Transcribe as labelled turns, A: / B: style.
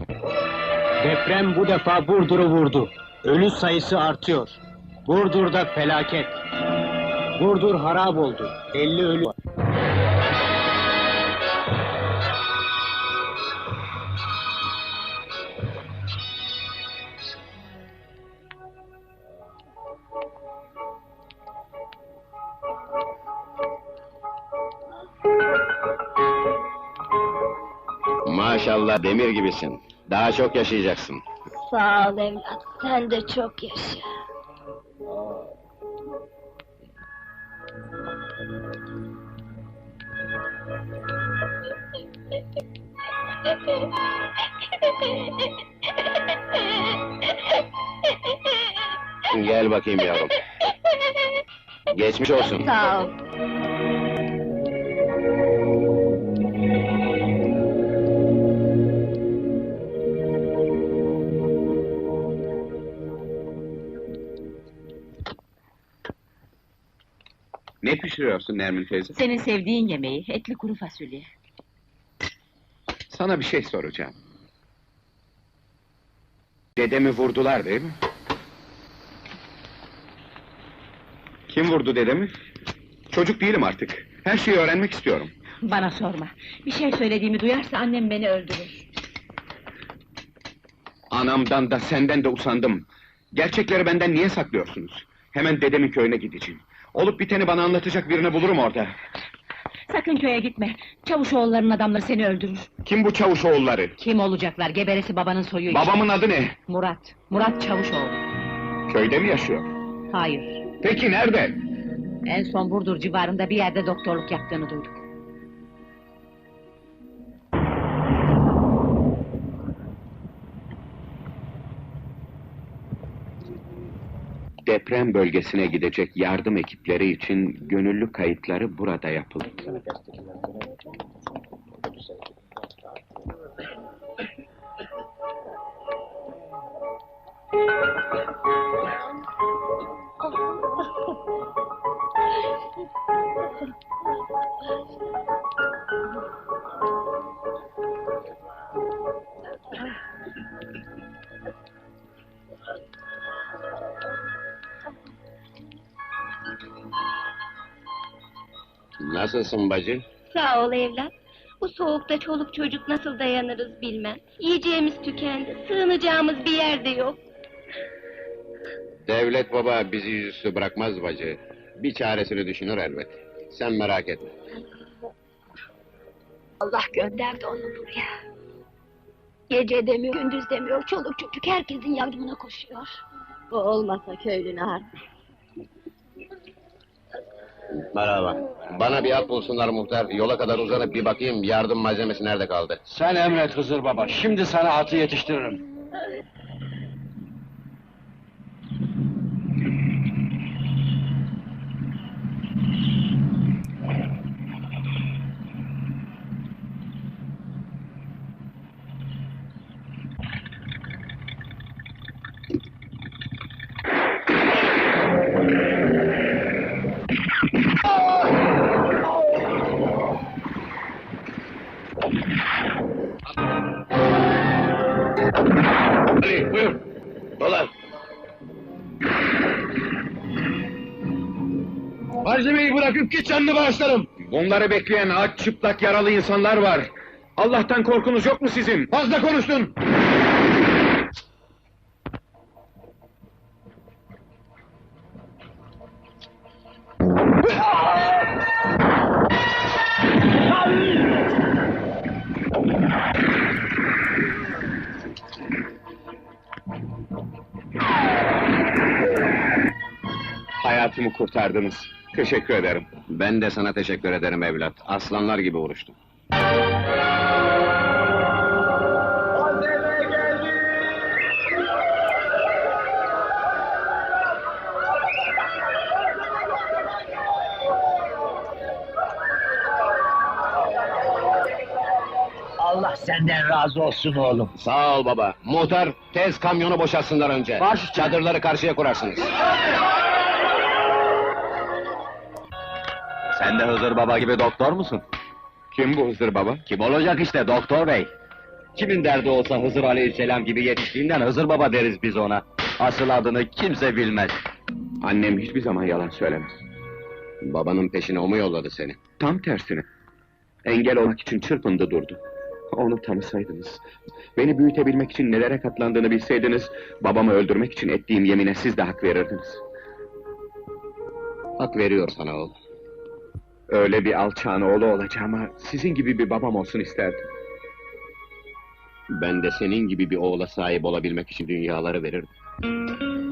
A: Deprem bu defa Burdur'u vurdu. Ölü sayısı artıyor. Burdur'da felaket. Burdur harap oldu. 50 ölü var.
B: Maşallah demir gibisin. Daha çok yaşayacaksın.
C: Sağ ol evlat, sen de çok yaşa.
B: Gel bakayım yavrum. Geçmiş olsun.
C: Sağ ol.
B: Ne pişiriyorsun Nermin teyze?
D: Senin sevdiğin yemeği, etli kuru fasulye.
B: Sana bir şey soracağım. Dedemi vurdular değil mi? Kim vurdu dedemi? Çocuk değilim artık. Her şeyi öğrenmek istiyorum.
D: Bana sorma. Bir şey söylediğimi duyarsa annem beni öldürür.
B: Anamdan da senden de usandım. Gerçekleri benden niye saklıyorsunuz? Hemen dedemin köyüne gideceğim. Olup biteni bana anlatacak birini bulurum orada.
D: Sakın köye gitme. Çavuşoğullarının adamları seni öldürür.
B: Kim bu Çavuşoğulları?
D: Kim olacaklar? Geberesi babanın soyu işte.
B: Babamın adı ne?
D: Murat. Murat Çavuşoğlu.
B: Köyde mi yaşıyor?
D: Hayır.
B: Peki nerede?
D: En son Burdur civarında bir yerde doktorluk yaptığını duyduk.
B: Deprem bölgesine gidecek yardım ekipleri için gönüllü kayıtları burada yapıldı. Nasılsın bacı?
C: Sağ ol evlat. Bu soğukta çoluk çocuk nasıl dayanırız bilmem. Yiyeceğimiz tükendi, sığınacağımız bir yer de yok.
B: Devlet baba bizi yüzüstü bırakmaz bacı. Bir çaresini düşünür elbet. Sen merak etme.
C: Allah gönderdi onu buraya. Gece demiyor, gündüz demiyor, çoluk çocuk herkesin yardımına koşuyor. O olmasa köylü ne harbi?
B: Merhaba. Bana bir at bulsunlar muhtar. Yola kadar uzanıp bir bakayım yardım malzemesi nerede kaldı?
A: Sen emret Hızır Baba. Şimdi sana atı yetiştiririm.
B: Ali buyur. Dolar.
A: Malzemeyi bırakıp git canını bağışlarım.
B: Bunları bekleyen aç çıplak yaralı insanlar var. Allah'tan korkunuz yok mu sizin?
A: Fazla konuştun.
B: Hayatımı kurtardınız. Teşekkür ederim. Ben de sana teşekkür ederim evlat. Aslanlar gibi uğraştım.
E: Allah senden razı olsun oğlum.
B: Sağ ol baba. Muhtar, tez kamyonu boşaltsınlar önce.
E: Baş-
B: Çadırları karşıya kurarsınız.
E: Sen de Hızır Baba gibi doktor musun?
B: Kim bu Hızır baba?
E: Kim olacak işte doktor bey.
F: Kimin derdi olsa Hızır Aleyhisselam gibi yetiştiğinden Hızır Baba deriz biz ona. Asıl adını kimse bilmez.
B: Annem hiçbir zaman yalan söylemez.
F: Babanın peşine o mu yolladı seni?
B: Tam tersine. Engel olmak için çırpındı durdu. Onu tanısaydınız, beni büyütebilmek için nelere katlandığını bilseydiniz, babamı öldürmek için ettiğim yemine siz de hak verirdiniz.
F: Hak veriyor sana oğul.
B: Öyle bir alçağın oğlu olacağıma, sizin gibi bir babam olsun isterdim.
F: Ben de senin gibi bir oğula sahip olabilmek için dünyaları verirdim.